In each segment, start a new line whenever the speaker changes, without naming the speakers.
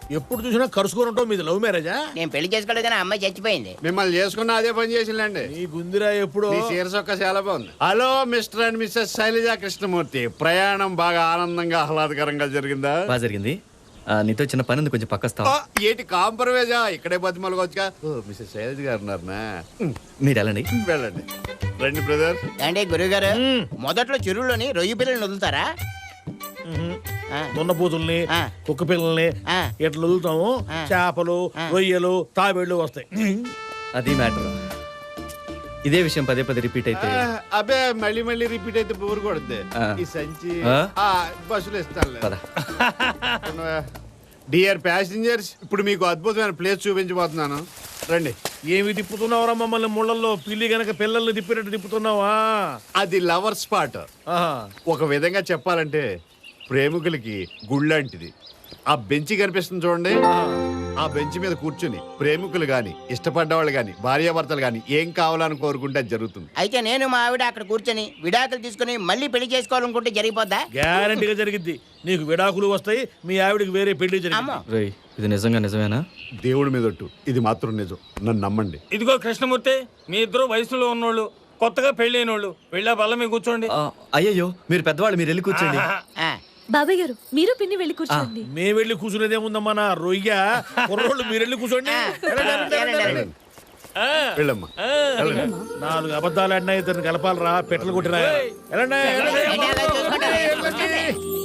ఎప్పుడు చూసినా కరుసుకొని ఉంటావు. మీది లవ్ మ్యారేజా?
నేను పెళ్లి చేసుకోలేదు కానీ అమ్మాయి చచ్చిపోయింది.
మిమ్మల్ని చేసుకున్న అదే పని చేసిందండి.
నీ గుందిరా ఎప్పుడు.
మీ శీర్షొక్క చాలా బాగుంది. Hello Mr and Mrs Sailaja Krishnamurthy, ప్రయాణం బాగా ఆనందంగా ఆహ్లాదకరంగా జరిగిందా?
బాగా జరిగింది. నీతో చిన్న పని ఉంది, కొంచెం పక్కస్తావా?
ఏంటి కాంప్రమైజా? ఇక్కడే బతిమలుగా మిస్సెస్ శైలజ గారు ఉన్నారనా?
మీరు వెళ్ళండి.
వెళ్ళండి. రండి బ్రదర్.
అంటే గురుగారు మొదట్లో చెరువులోని రొయ్యి పిల్లల్ని వదులుతారా?
దున్నపోతుల్ని,
ఆ.
కుక్క పిల్లల్ని
ఆ.
ఇట్లా వదులుతాము. చేపలు, రొయ్యలు, తాబేళ్లు వస్తాయి.
అది మ్యాటర్. ఇదే విషయం పదే పదే రిపీట్ అయితే
అబ్బే మళ్ళీ మళ్ళీ రిపీట్ అయితే బోర్ కొడుద్ది.
ఆ.
ఈ సంచి
ఆ?
బస్సులు ఇస్తాను.
పద.
డియర్ ప్యాసింజర్స్, ఇప్పుడు మీకు అద్భుతమైన ప్లేస్ చూపించబోతున్నాను. రండి.
ఏమి తిప్పుతున్నావురా మమ్మల్ని ముళ్ళల్లో? పిల్లి గనక పిల్లల్ని తిప్పినట్టు తిప్పుతున్నావా?
అది లవర్ స్పాట్.
ఆహా.
ఒక విధంగా చెప్పాలంటే ప్రేమికులకి గుళ్ళంటిది. ఆ బెంచి కనిపిస్తుంది చూడండి. ఆ బెంచ్ మీద కూర్చుని ప్రేమికులు గాని, ఇష్టపడ్డవాళ్ళు గాని, భార్యాభర్తలు గాని ఏం కావాలని కోరుకుంటే అది జరుగుతుంది.
అయితే నేను మా ఆవిడ అక్కడ కూర్చొని విడాకులు తీసుకుని మళ్ళీ పెళ్లి చేసుకోవాలనుకుంటే జరిగిపోద్దా?
గ్యారంటీగా జరిగిద్ది. నీకు విడాకులు వస్తాయి, మీ ఆవిడకి వేరే పెళ్లి జరిగింది.
రేయ్, ఇది నిజంగా నిజమేనా?
దేవుడి మీద ఒట్టు, ఇది మాత్రం నిజం. నన్ను నమ్మండి.
ఇదిగో కృష్ణమూర్తి, మీ ఇద్దరు వయసులో ఉన్నోళ్ళు, కొత్తగా పెళ్ళైనోళ్ళు, వెళ్ళా బల్ల మీద కూర్చోండి.
అయ్యయ్యో, మీరు పెద్దవాళ్ళు, మీరు వెళ్ళి కూర్చోండి.
ఆ,
బాబాయ్ గారు మీరు పిన్ని వెళ్ళి కూర్చోండి.
మేము వెళ్ళి కూర్చునేదేముందమ్మా నా రొయ్య. కుర్రోళ్ళు మీరు వెళ్ళి కూర్చోండి.
వెళ్ళమ్మా. వెళ్ళండి.
4 అబద్ధాలు ఆడినా ఇద్దరిని కలపాలరా, పెట్టలు కొట్టినా. వెళ్ళండి, వెళ్ళండి.
ఏంటి అలా చూసుకుంటారు? వెళ్ళండి.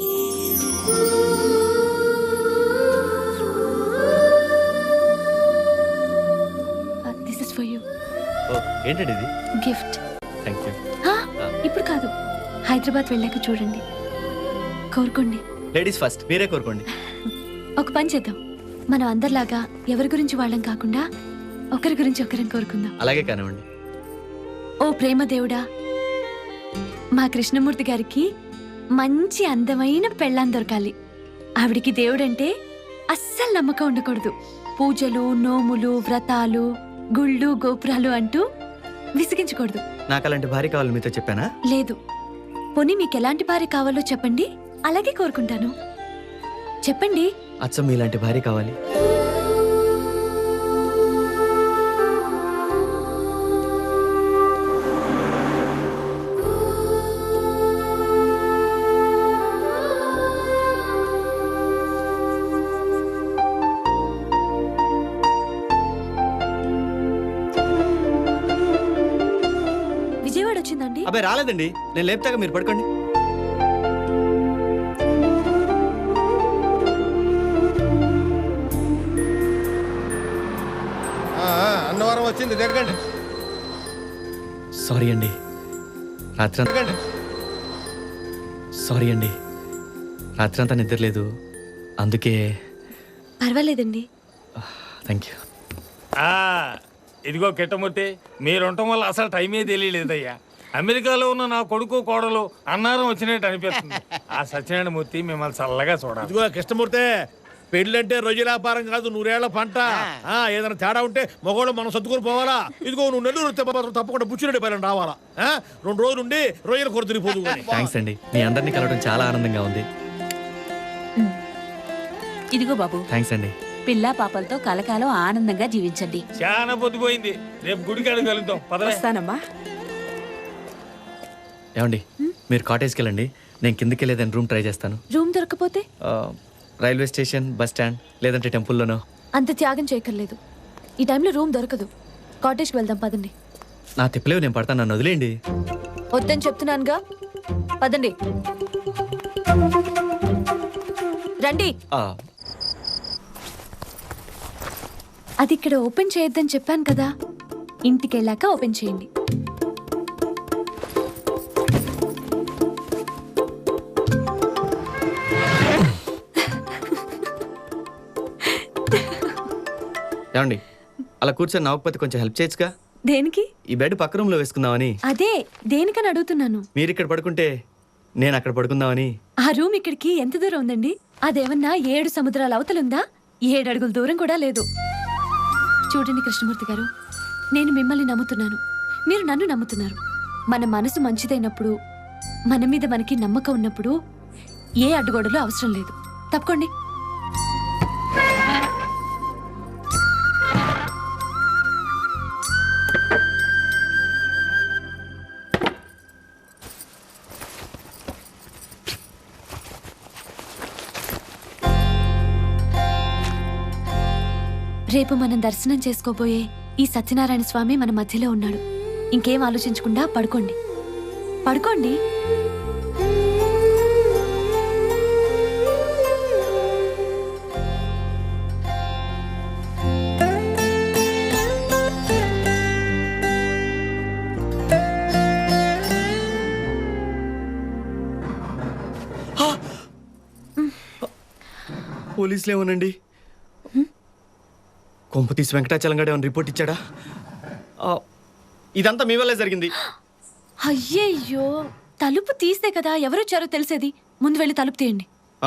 This is for you.
ఏంటండి ఇది?
గిఫ్ట్.
Thank you.
ఇప్పుడు కాదు, హైదరాబాద్ వెళ్ళాక చూడండి. కోరుకోండి.
లేడీస్ ఫస్ట్, మీరే కోరుకోండి.
ఒక పని చేద్దాం, మనం అందరిలాగా ఎవరి గురించి వాళ్ళం కాకుండా ఒకరి గురించి ఒకరిని కోరుకుందాం.
అలాగే కానివ్వండి.
ఓ ప్రేమ దేవుడా, మా కృష్ణమూర్తి గారికి మంచి అందమైన పెళ్ళాం దొరకాలి. ఆవిడికి దేవుడంటే అస్సలు నమ్మకం ఉండకూడదు. పూజలు, నోములు, వ్రతాలు, గుళ్ళు, గోపురాలు అంటూ విసిగించకూడదు.
నాకు అలాంటి భార్య కావాలి, మీతో చెప్పానా?
లేదు. పోనీ మీకు ఎలాంటి భార్య కావాలో చెప్పండి, అలాగే కోరుకుంటాను. చెప్పండి.
అచ్చం మీలాంటి భార్య కావాలి.
విజయవాడ వచ్చిందండి?
అబ్బాయి రాలేదండి, నేను లేపుతాగా, మీరు పడుకోండి.
అన్నవరం వచ్చింది, దగ్గండి.
సారీ అండి, సారీ అండి, రాత్రంతా నిద్రలేదు, అందుకే.
పర్వాలేదండి.
Thank you.
ఇదిగో కిట్టమూర్తి, మీరుండటం వల్ల అసలు టైమే తెలియలేదయ్యా. అమెరికాలో ఉన్న నా కొడుకు కోడలు అన్నారం వచ్చినట్టు అనిపిస్తుంది. ఆ సత్యనారాయణ మూర్తి మిమ్మల్ని చల్లగా చూడాలి.
ఇదిగో కృష్ణమూర్తి, పెళ్ళంటే రొయ్యల వ్యాపారం కాదు, 100 ఏళ్ల పంట. ఏదైనా తేడా ఉంటే మగవాళ్ళు మనం సర్దుకొని పోవాలా. ఇదిగో నువ్వు నెల్లూరు తప్పకుండా బుచ్చిరెడ్డి పైన రావాలా. 2 రోజులు ఉండి రొయ్యల కొర తిరిగిపోదు.
థ్యాంక్స్ అండి, మీ అందరినీ కలవడం చాలా ఆనందంగా ఉంది.
ఇదిగో బాబు.
థ్యాంక్స్ అండి.
పిల్ల పాపలతో కలకాలం ఆనందంగా జీవించండి.
చాలా పొద్దుపోయింది, రేపు గుడికాడు కలుద్దాం.
వస్తానమ్మా.
ఏమండి, మీరు కాటేజ్కి వెళ్ళండి, నేను కిందకి వెళ్ళేదని రూమ్ ట్రై చేస్తాను.
రూమ్ దొరకపోతే
రైల్వే స్టేషన్, బస్ స్టాండ్, లేదంటే టెంపుల్లోనో.
అంత త్యాగం చేయక్కర్లేదు. ఈ టైంలో రూమ్ దొరకదు. కాటేజ్కి వెళ్దాం, పదండి.
నా తిప్పలేవు, నేను పడతాను, నన్ను వదిలేయండి.
వద్దని చెప్తున్నానుగా, పదండి. రండి. అది ఇక్కడ ఓపెన్ చేయొద్దని చెప్పాను కదా, ఇంటికి వెళ్ళాక ఓపెన్ చేయండి.
ఏమండి, అలా కూర్చొని నవ్వకపోతే కొంచెం హెల్ప్ చేయొచ్చుగా.
దేనికి?
ఈ బెడ్ పక్క రూమ్ లో వేసుకుందామని.
అదే దేనికని అడుగుతున్నాను.
మీరు ఇక్కడ పడుకుంటే నేను అక్కడ పడుకుందామని.
ఆ రూమ్ ఇక్కడికి ఎంత దూరం ఉందండి? అదేమన్నా 7 సముద్రాల అవతలుందా? 7 అడుగుల దూరం కూడా లేదు. చూడండి కృష్ణమూర్తి గారు, నేను మిమ్మల్ని నమ్ముతున్నాను, మీరు నన్ను నమ్ముతున్నారు. మన మనసు మంచిదైనప్పుడు, మన మీద మనకి నమ్మకం ఉన్నప్పుడు ఏ అడ్డుగోడలు అవసరం లేదు. తప్పుకోండి. రేపు మనం దర్శనం చేసుకోబోయే ఈ సత్యనారాయణ స్వామి మన మధ్యలో ఉన్నాడు. ఇంకేం ఆలోచించకుండా పడుకోండి. పడుకోండి.
పోలీసులు ఏమోనండి. కొంప తీసి వెంకటాచలం గడు ఏమైనా రిపోర్ట్ ఇచ్చాడా? ఇదంతా మీ వల్లే జరిగింది.
అయ్యయ్యో, తలుపు తీస్తే కదా ఎవరొచ్చారో తెలిసేది. ముందు వెళ్ళి తలుపు తీయండి.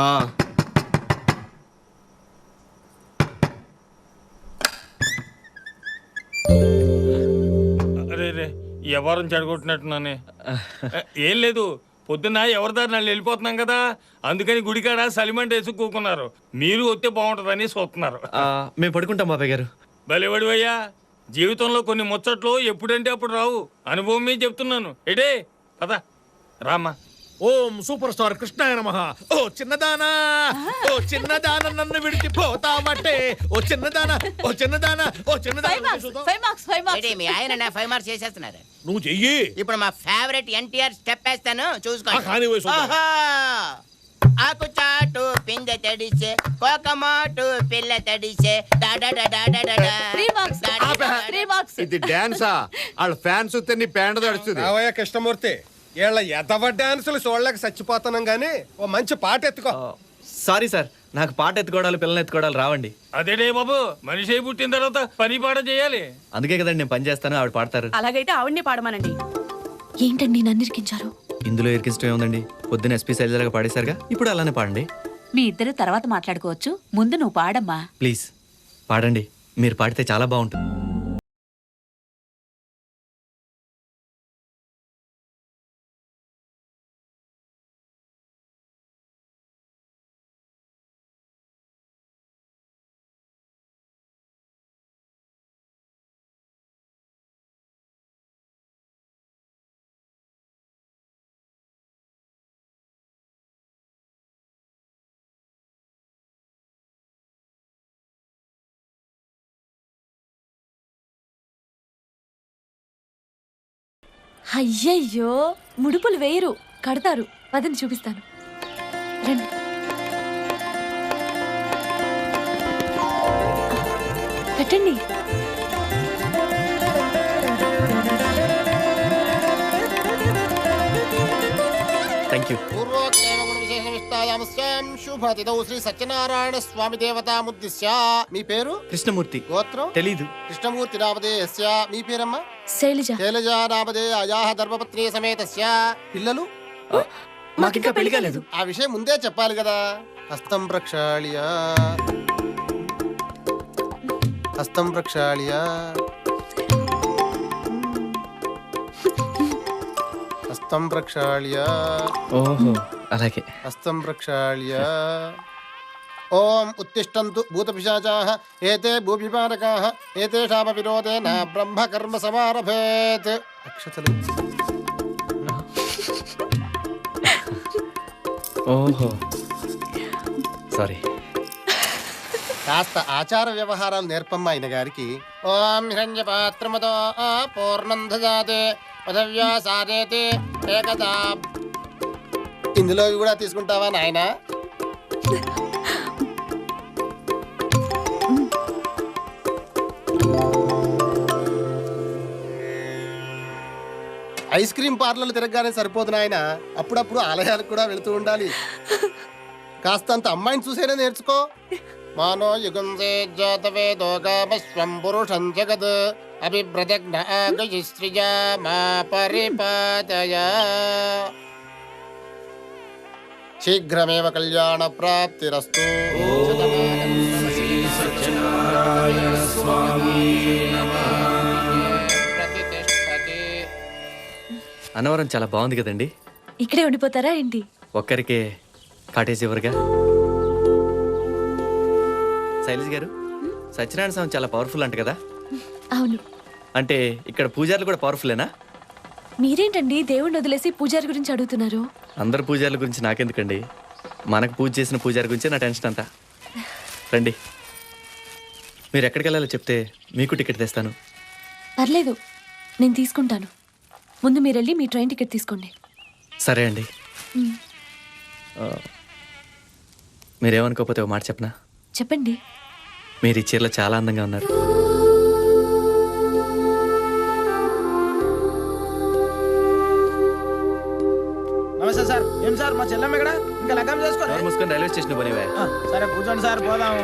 అరే రే, ఎవరిని చెడగొట్టినట్టున్నానే. ఏం లేదు, పొద్దున్న ఎవరి దారి వాళ్ళు వెళ్ళిపోతున్నాం కదా, అందుకని గుడికాడ సలిమంట వేసి కూకున్నారు. మీరు వస్తే బాగుంటుందని చూస్తున్నారు.
మేము పడుకుంటాం బాబాయ్ గారు.
భలేవాడివయ్యా, జీవితంలో కొన్ని ముచ్చట్లు ఎప్పుడంటే అప్పుడు రావు. అనుభవం మీద చెప్తున్నాను. ఎడే పద రామ్మా.
ఓం సూపర్ స్టార్ కృష్ణాయ నమః. ఓ చిన్నదానా, ఓ చిన్నదాన నన్ను విడిచిపోతావటే, ఓ చిన్నదానా, ఓ చిన్నదానా, ఓ చిన్నదానా.
ఏంటి మీ ఆయన 5 మార్క్స్ చేసేస్తున్నారు.
నువ్వు చెయ్యి.
ఇప్పుడు మా ఫేవరెట్ ఎన్టీఆర్ స్టెప్ వేస్తాను, చూసుకోండి.
కానీ వయసు
ఆహా! ఆకు చాటు పిందె తడిసే, కోకమాటు పిల్ల తడిసే,
ఇది డాన్సా? వాళ్ళ ఫ్యాన్స్ నీ పేండ తడుస్తుంది.
రావయ్య కృష్ణమూర్తి, వీళ్ళ ఎదవ డాన్సులు చూడలేక చచ్చిపోతున్నాం గానీ ఓ మంచి పాట ఎత్తుకో.
సారీ సార్, నాకు పాట ఎత్తుకోవడాలు పిల్లల్ని ఎత్తుకోవడాలు రావండి.
అదేడే బాబు, మనిషి పుట్టిన తర్వాత పని పాట చేయాలి.
అందుకే కదండి నేను పని చేస్తాను, ఆవిడ పాడతారు.
అలాగైతే ఆవిడ్ని పాడమనండి.
ఏంటండి నన్ను ఇరికించారు?
ఇందులో ఇరికిష్టం ఏముందండి? పొద్దున్న ఎస్పీ శైలజగా పాడేశారుగా, ఇప్పుడు అలానే పాడండి.
మీ ఇద్దరు తర్వాత మాట్లాడుకోవచ్చు, ముందు నువ్వు పాడమ్మా.
ప్లీజ్ పాడండి, మీరు పాడితే చాలా బాగుంటుంది.
అయ్యయ్యో, ముడుపులు వేయరు, కడతారు. పదని చూపిస్తాను, రండి. కట్టండి.
Thank you.
శుభతిథౌ శ్రీ సత్యనారాయణ స్వామి దేవతాముద్దిశ్య. మీ పేరు?
కృష్ణమూర్తి.
గోత్రం?
తెలీదు.
కృష్ణమూర్తి నామధేయస్య. మీ పేరమ్మా?
శైలజ.
శైలజ నామధేయాయాః ధర్మపత్ని సమేతస్య. పిల్లలు?
మాకింకా పెళ్లి కాలేదు.
ఆ విషయం ముందే చెప్పాలి కదా. హస్తం ప్రక్షాళ్య, హస్తం ప్రక్షాళ్య, హస్తం ప్రక్షాళ్య,
ఓహో అలాగే.
హస్తం ప్రక్షాళ్య. ఓం ఉత్తిష్టంతు భూతపిశాచాః ఏతే భూపిపాలకాః ఏతేషామ విరోధేన బ్రహ్మకర్మ సమారభేత్. అక్షతలు.
ఓహో సారీ.
కాస్త ఆచార వ్యవహారాలు నేర్పమ్మ ఆయన గారికి. ఓం హిరణ్యపాత్రమతో పూర్ణం దదాతే పదవ్యాసాదేతే ఏకదా. ఇందులో కూడా తీసుకుంటావా నాయనా? ఐస్ క్రీమ్ పార్లర్లు తిరగగానే సరిపోదు నాయన, అప్పుడప్పుడు ఆలయాలకు కూడా వెళుతూ ఉండాలి. కాస్తంత అమ్మాయిని చూసేనే నేర్చుకో. మానో యుగంసే జాతవేదో గామస్వం పురుషం జగద్ అభిభ్రదగ్న ఆగయశ్రియా మా పరిపాదయ. శీఘ్రమేవ కళ్యాణ ప్రాప్తిరస్తు.
అన్నవరం చాలా బాగుంది కదండి.
ఇక్కడే ఉండిపోతారా ఏంటి?
ఒక్కరికే కాటేజ్ ఎవరుగా. శైలజ్ గారు, సత్యనారాయణ స్వామి చాలా పవర్ఫుల్ అంట కదా?
అవును.
అంటే ఇక్కడ పూజారులు కూడా పవర్ఫుల్లేనా?
మీరేంటండి దేవుణ్ణి వదిలేసి పూజారి గురించి అడుగుతున్నారు?
అందరు పూజారుల గురించి నాకెందుకండి, మనకు పూజ చేసిన పూజారి గురించే నా టెన్షన్ అంతా. రండి. మీరు ఎక్కడికి వెళ్ళాలో చెప్తే మీకు టికెట్ తెస్తాను.
పర్లేదు, నేను తీసుకుంటాను. ముందు మీరు వెళ్ళి మీ ట్రైన్ టికెట్ తీసుకోండి.
సరే అండి.
మ్,
మీరేమనుకోకపోతే ఒక మాట చెప్పనా?
చెప్పండి.
మీరు ఈ చీరలో చాలా అందంగా ఉన్నారు.
నమస్తే సార్. ఏం సార్ మా చెల్లెమ్మ ఇక్కడ ఇంకా లగ్గం చేసుకోండి.
నోరు మూసుకొని రైల్వే స్టేషన్ పోనివే.
సరే కూర్చోండి సార్, పోదాము.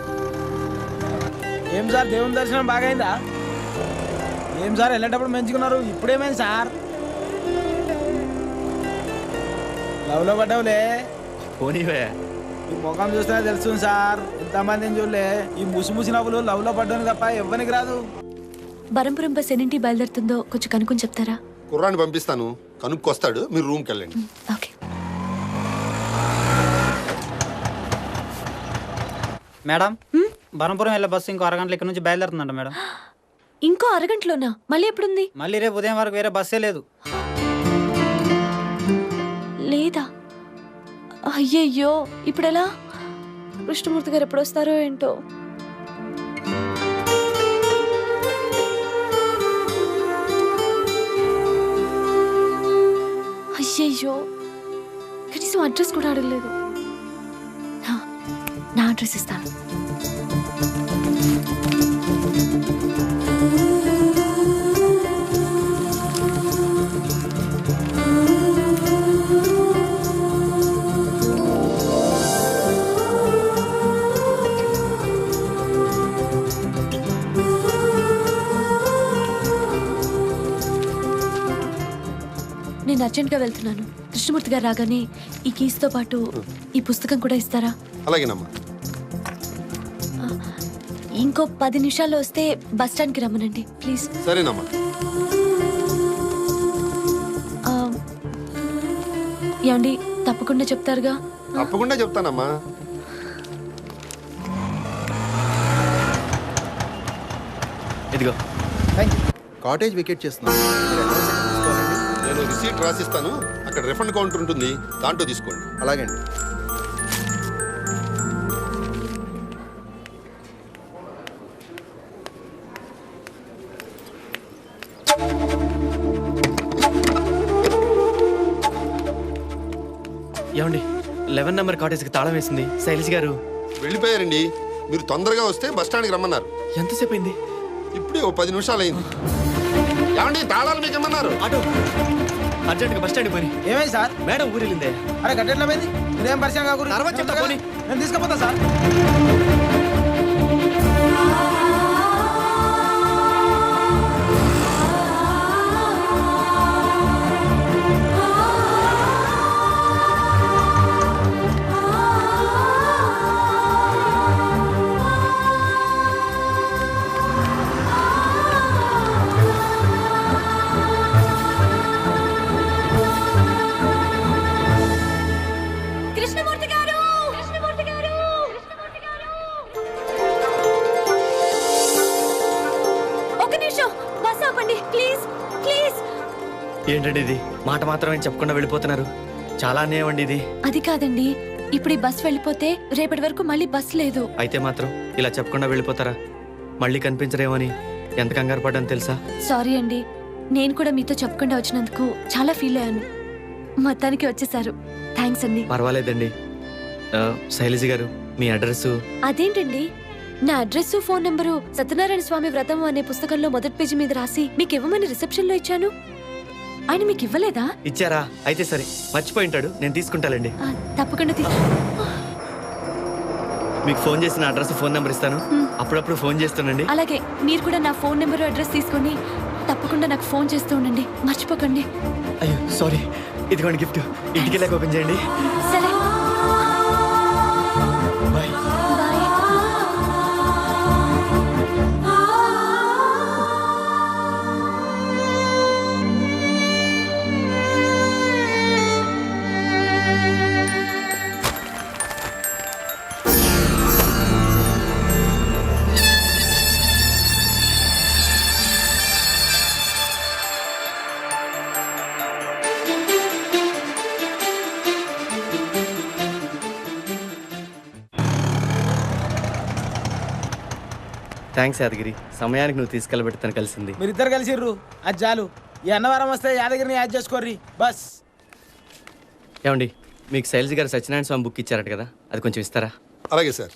ఏం సార్ దేవుని దర్శనం బాగైందా? ఏం సార్ వెళ్ళేటప్పుడు మంచుకున్నారు, ఇప్పుడేమైంది సార్? లవ్లో పడ్డావులే.
పోనీవే.
ఈ ముఖం చూస్తేనే తెలుస్తుంది సార్, ఎంతమందిని చూడలే. ఈ ముసి నవ్వులు లవ్లో పడ్డాను తప్ప ఎవ్వనికి రాదు.
బరంపురం బస్ ఎన్నింటి బయలుదేరుతుందో కొంచెం కనుక్కొని చెప్తారా?
కుర్రాన్ని పంపిస్తాను, కనుక్కొస్తాడు, మీరు రూమ్కి వెళ్ళండి.
ఓకే.
మేడం, బరంపురం వెళ్ళే బస్సు ఇంకో అరగంటల ఇక్కడ నుంచి బయలుదేరుతుందంట మేడం.
ఇంకో అరగంటలోనా? మళ్ళీ ఎప్పుడుంది?
మళ్ళీ రేపు ఉదయం వరకు వేరే బస్సే లేదు.
లేదా? అయ్యయ్యో, ఇప్పుడెలా? కృష్ణమూర్తి గారు ఎప్పుడు వస్తారో ఏంటో. అయ్యయ్యో, కనీసం అడ్రస్ కూడా అడగలేదు. నా అడ్రస్ ఇస్తాను. నేను అర్జెంట్గా వెళ్తున్నాను. కృష్ణమూర్తి గారు రాగానే ఈ కీస్తో పాటు ఈ పుస్తకం కూడా ఇస్తారా?
అలాగేనమ్మా.
ఇంకో 10 నిమిషాల్లో వస్తే బస్ స్టాండ్కి రమ్మనండి ప్లీజ్.
సరేనమ్మా.
ఏమండి, తప్పకుండా చెప్తారుగా?
తప్పకుండా చెప్తానమ్మా.
ఇదిగో.
కాటేజ్ వికెట్ చేస్తున్నాను. నేను రిసీట్ రాసిస్తాను, అక్కడ రిఫండ్ కౌంటర్ ఉంటుంది, దాంట్లో తీసుకోండి. అలాగే అండి.
ఏమండి, 11 నెంబర్ కాటేజ్కి తాళం వేసింది శైలజ్ గారు.
వెళ్ళిపోయారండి. మీరు తొందరగా వస్తే బస్ స్టాండ్కి రమ్మన్నారు.
ఎంతసేపు అయింది?
ఇప్పుడే ఓ 10 నిమిషాలు అయింది. ఏమండి, తాళాలు మీకు ఏమన్నారు?
ఆటో అర్జెంట్గా బస్ స్టాండ్కి పోయి.
ఏమైంది సార్?
మేడం ఊరిలిందే.
అరే గట్టెట్లా పోయింది? ఇదేం పరిచయం కాకూడదు.
తర్వాత చెప్తా, పోనీ.
నేను తీసుకుపోతా సార్.
కృష్ణమూర్తి గారు! కృష్ణమూర్తి గారు! ఒక నిమిషం, బస్ ఆపండి ప్లీజ్, ప్లీజ్.
ఏంటండి ఇది? మాట మాత్రమే చెప్పకుండా వెళ్ళిపోతున్నారు. చాలా అన్యాయం అండి ఇది.
అది కాదండి, ఇప్పుడు ఈ బస్ వెళ్ళిపోతే రేపటి వరకు మళ్ళీ బస్ లేదు.
అయితే మాత్రం ఇలా చెప్పకుండా వెళ్ళిపోతారా? మళ్ళీ కనిపించరేమని ఎంత కంగారు పడ్డాను తెలుసా?
సారీ అండి, నేను కూడా మీతో చెప్పకుండా వచ్చినందుకు చాలా ఫీల్ అయ్యాను. మొత్తానికి వచ్చేసారు, థ్యాంక్స్ అండి.
పర్వాలేదండి. శైలజ గారు, మీ అడ్రస్?
అదేంటండి, నా address phone number Satyanarayana Swamy వ్రతం అనే పుస్తకంలో మొదటి పేజీ మీద రాసి మీకు ఇవ్వమని రిసెప్షన్ లో ఇచ్చాను. ఆయన మీకు ఇవ్వలేదా?
ఇచ్చారా? అయితే సరే, మర్చిపోయి ఉంటాడు, నేను తీసుకుంటానండి.
తప్పకుండా
మీకు ఫోన్ చేసిన అడ్రస్ ఫోన్ నెంబర్ ఇస్తాను, అప్పుడప్పుడు ఫోన్ చేస్తానండి.
అలాగే మీరు కూడా నా ఫోన్ నెంబర్ అడ్రస్ తీసుకొని తప్పకుండా నాకు ఫోన్ చేస్తూ ఉండండి, మర్చిపోకండి.
అయ్యో సారీ, ఇదిగోండి గిఫ్ట్, ఇంటికి వెళ్ళాక ఓపెన్ చేయండి.
సరే,
బాయ్.
బాయ్.
థ్యాంక్స్ యాదగిరి, సమయానికి నువ్వు తీసుకెళ్ళబెట్టి తను కలిసింది.
మీరిద్దరు కలిసిర్రు అది చాలు. ఈ అన్నవరం వస్తే యాదగిరిని యాడ్ చేసుకోర్రి బస్.
ఏమండి, మీకు శైలజ గారు సత్యనారాయణ స్వామి బుక్ ఇచ్చారట కదా, అది కొంచెం ఇస్తారా?
అలాగే సార్.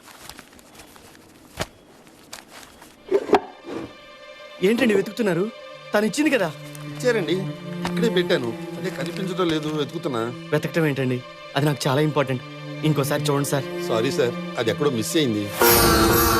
ఏంటండి వెతుకుతున్నారు? తను ఇచ్చింది కదా.
ఇచ్చారండి, ఇక్కడే పెట్టాను. అదే కనిపించడం లేదు, వెతుకుతున్నా.
వెతకటం ఏంటండి, అది నాకు చాలా ఇంపార్టెంట్. ఇంకోసారి చూడండి సార్.
సారీ సార్, అది ఎక్కడో మిస్ అయింది.